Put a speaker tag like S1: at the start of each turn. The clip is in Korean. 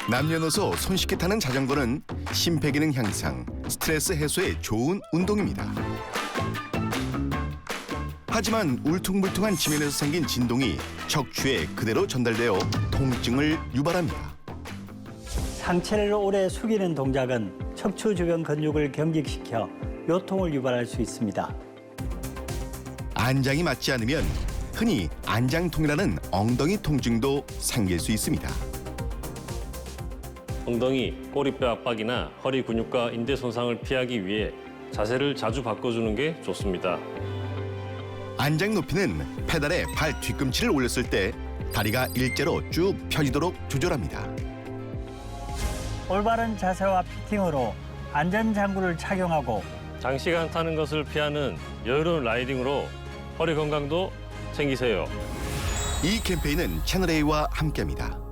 S1: 남녀노소 손쉽게 타는 자전거는 심폐기능 향상, 스트레스 해소에 좋은 운동입니다. 하지만 울퉁불퉁한 지면에서 생긴 진동이 척추에 그대로 전달되어 통증을 유발합니다.
S2: 상체를 오래 숙이는 동작은 척추 주변 근육을 경직시켜 요통을 유발할 수 있습니다.
S1: 안장이 맞지 않으면 흔히 안장통이라는 엉덩이 통증도 생길 수 있습니다.
S3: 엉덩이, 꼬리뼈 압박이나 허리 근육과 인대 손상을 피하기 위해 자세를 자주 바꿔주는 게 좋습니다.
S1: 안장 높이는 페달에 발 뒤꿈치를 올렸을 때 다리가 일자로 쭉 펴지도록 조절합니다.
S2: 올바른 자세와 피팅으로 안전장구를 착용하고
S3: 장시간 타는 것을 피하는 여유로운 라이딩으로 허리 건강도 챙기세요.
S1: 이 캠페인은 채널A와 함께합니다.